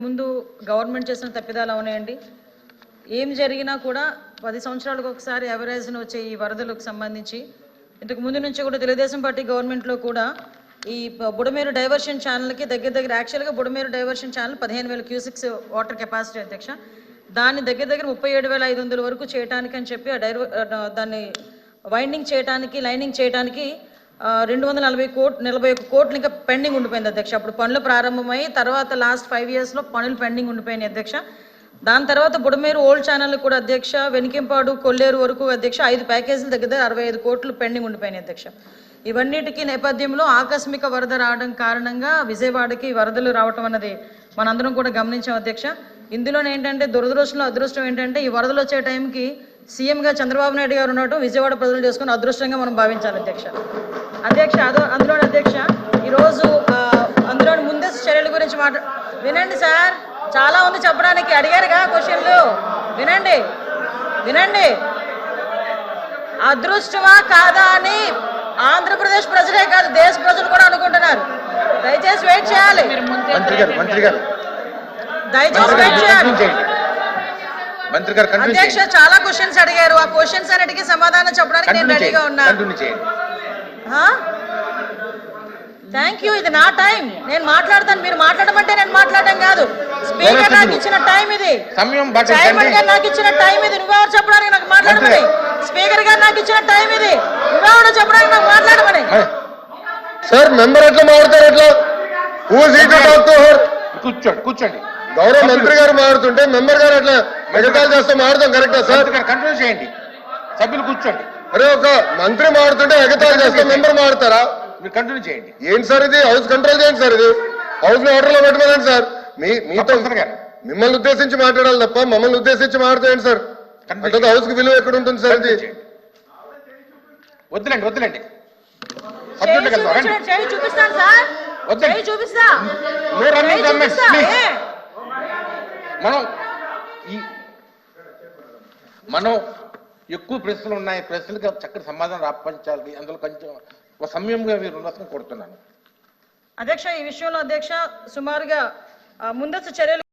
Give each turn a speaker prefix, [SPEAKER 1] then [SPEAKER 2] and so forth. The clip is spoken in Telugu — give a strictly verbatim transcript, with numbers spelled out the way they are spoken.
[SPEAKER 1] ముందు గవర్నమెంట్ చేసిన తప్పిదాలు ఉన్నాయండి. ఏం జరిగినా కూడా పది సంవత్సరాలకు ఒకసారి ఎవరేజ్ను వచ్చే ఈ వరదలకు సంబంధించి ఇంతకు ముందు నుంచి కూడా తెలుగుదేశం పార్టీ గవర్నమెంట్లో కూడా ఈ బుడమేరు డైవర్షన్ ఛానల్కి దగ్గర దగ్గర యాక్చువల్గా బుడమేరు డైవర్షన్ ఛానల్ పదిహేను వేల క్యూసిక్స్ వాటర్ కెపాసిటీ అధ్యక్ష, దాన్ని దగ్గర దగ్గర ముప్పై ఏడు వేల ఐదు వందల వరకు చేయడానికి అని చెప్పి ఆ డైవ దాన్ని వైండింగ్ చేయడానికి లైనింగ్ చేయడానికి రెండు వందల నలభై కోట్ నలభై ఒక్క కోట్లు ఇంకా పెండింగ్ ఉండిపోయింది అధ్యక్ష. అప్పుడు పనులు ప్రారంభమై తర్వాత లాస్ట్ ఫైవ్ ఇయర్స్లో పనులు పెండింగ్ ఉండిపోయినాయి అధ్యక్ష. దాని తర్వాత బుడమేరు ఓల్డ్ ఛానల్ కూడా అధ్యక్ష, వెనికింపాడు కొల్లేరు వరకు అధ్యక్ష ఐదు ప్యాకేజీల దగ్గర అరవై ఐదు కోట్లు పెండింగ్ ఉండిపోయినాయి అధ్యక్ష. ఇవన్నిటికీ నేపథ్యంలో ఆకస్మిక వరద రావడం కారణంగా విజయవాడకి వరదలు రావటం అన్నది మనందరం కూడా గమనించాం అధ్యక్ష. ఇందులో ఏంటంటే దురదృష్టంలో అదృష్టం ఏంటంటే ఈ వరదలు వచ్చే టైంకి సీఎంగా చంద్రబాబు నాయుడు గారు ఉండటం విజయవాడ ప్రజలు చేసుకుని అదృష్టంగా మనం భావించాలి అధ్యక్ష. అధ్యక్ష అదో అందులో అధ్యక్ష ఈరోజు అందులో ముందస్తు చర్యల గురించి మాట వినండి సార్, చాలా ఉంది చెప్పడానికి, అడిగారుగా క్వశ్చన్లు, వినండి వినండి అదృష్టమా కాదా అని ఆంధ్రప్రదేశ్ ప్రజలే కాదు దేశ ప్రజలు కూడా అనుకుంటున్నారు. దయచేసి వెయిట్ చేయాలి, దయచేసి వెయిట్ చేయాలి. అధ్యక్ష చాలా క్వశ్చన్స్ అడిగారు, ఆ క్వశ్చన్స్ అన్నిటికీ సమాధానం చెప్పడానికి నేను రెడీగా ఉన్నాను. Thank you. ఇది నా టైం, నేను మాట్లాడతాను. మీరు మాట్లాడమంటే నేను మాట్లాడడం కాదు. స్పీకర్ నాకు ఇచ్చిన టైం ఇది, చైర్మన్ గారు నాకు ఇచ్చిన టైం ఇది. నువ్వెవరు చెప్పడానికి నాకు మాట్లాడమని? స్పీకర్ గారు నాకు ఇచ్చిన టైం ఇది, నువ్వెవరు చెప్పడానికి నాకు మాట్లాడమని?
[SPEAKER 2] సార్ మెంబర్ ఎట్లా మాట్లాడతారు? ఎట్లా కూర్చోండి కూర్చోండి గౌరవ మంత్రి గారు మాట్లాడుతుంటే మెంబర్ గారు అట్లా మెగతాలు చేస్తే మాట్లాడతాం కరెక్టా సార్?
[SPEAKER 3] కంటిన్యూ చేయండి, సభ్యులు కూర్చోండి.
[SPEAKER 2] అరే ఒక మంత్రి మాట్లాడుతుంటే ఎగతాలు చేస్తే మెంబర్ మాట్లాడతారా?
[SPEAKER 3] మీరు కంటిన్యూ చేయండి.
[SPEAKER 2] ఏంటి సార్ ఇది? హౌస్ కంట్రోల్ చేయండి సార్, ఇది హౌస్ ని ఆర్డర్ లో పెట్టుకోండి సార్. మీ మీతో మిమ్మల్ని ఉద్దేశించి మాట్లాడాలి తప్ప మమ్మల్ని ఉద్దేశించి మాట్లాడేయండి సార్. అంటే హౌస్ కి విలువ ఎక్కడ ఉంటుంది సార్? ఇది
[SPEAKER 3] వద్దులేండి వద్దులేండి
[SPEAKER 1] చూపిస్తాను సార్, చూపిస్తా.
[SPEAKER 3] మనం ఈ మనం ఎక్కువ ప్రశ్నలు ఉన్నాయి, ప్రశ్నలకు చక్కటి సమాధానం రాపించాలి. అందులో కొంచెం ఒక సమయంగా మీరు ఉన్నతం కోరుతున్నాను
[SPEAKER 1] అధ్యక్ష. ఈ విషయంలో అధ్యక్ష సుమారుగా ముందస్తు చర్యలు